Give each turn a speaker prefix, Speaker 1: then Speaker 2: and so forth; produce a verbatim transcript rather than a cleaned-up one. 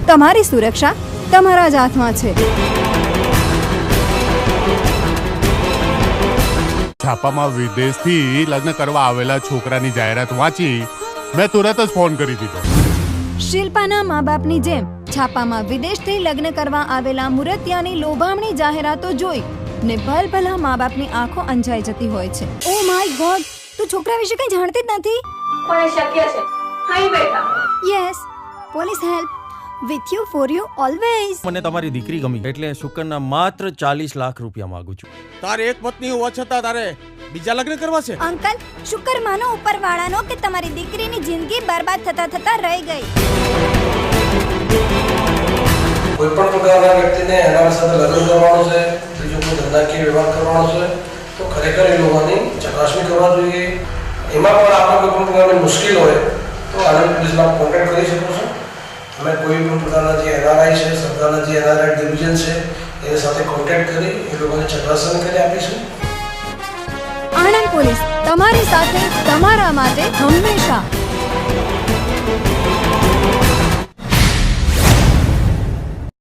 Speaker 1: તમારી સુરક્ષા તમારા જ હાથમાં છે.
Speaker 2: છાપામાં વિદેશથી લગ્ન કરવા આવેલા છોકરાની જાહેરાત વાંચી મેં તુરંત જ ફોન કરી દીધો.
Speaker 1: શિલ્પાના મા બાપની જેમ છાપામાં વિદેશથી લગ્ન કરવા આવેલા મુરતિયાની લોભામણી જાહેરાતો જોઈ ને ભલભલા મા બાપની આંખો અંજાઈ જતી હોય છે. ઓ માય ગોડ, તું છોકરા વિશે કંઈ જાણતી જ નથી.
Speaker 3: પણ શક્ય છે. હાઈ બેટા.
Speaker 1: Yes, police help with you for you always.
Speaker 4: મને તમારી દીકરી ગમી એટલે શુકરના માત્ર ચાલીસ લાખ રૂપિયા માંગુ છું.
Speaker 5: તારે એક પત્ની હોવા છતાં તારે બીજા લગ્ન કરવા છે?
Speaker 1: અંકલ, શુકર માનો ઉપરવાળાનો કે તમારી દીકરીની જિંદગી બરબાદ થતા થતા રહી ગઈ.
Speaker 6: કોઈ પણ પ્રકારના વ્યક્તિને એના સાથે લગ્ન કરવાનું છે, બીજો કોઈ ધંધાકીય વ્યવહાર કરવાનો છે તો ખરેખર એ લોકોની ચકાસણી કરવા જોઈએ. એમાં પણ આપણે કોઈ પણ પ્રકારની મુશ્કેલ હોય તો આનંદ પોલીસમાં કોન્ટેક્ટ કરી શકો છો. અમે કોઈ પણ પ્રકારના જે એનઆરઆઈ છે, સરકારના જે એનઆરઆઈ ડિવિઝન છે એની સાથે કોન્ટેક્ટ કરી એ લોકોને ચકાસણી કરી આપીશું.
Speaker 1: આણંદ પોલીસ તમારી સાથે, તમારા માટે હંમેશા.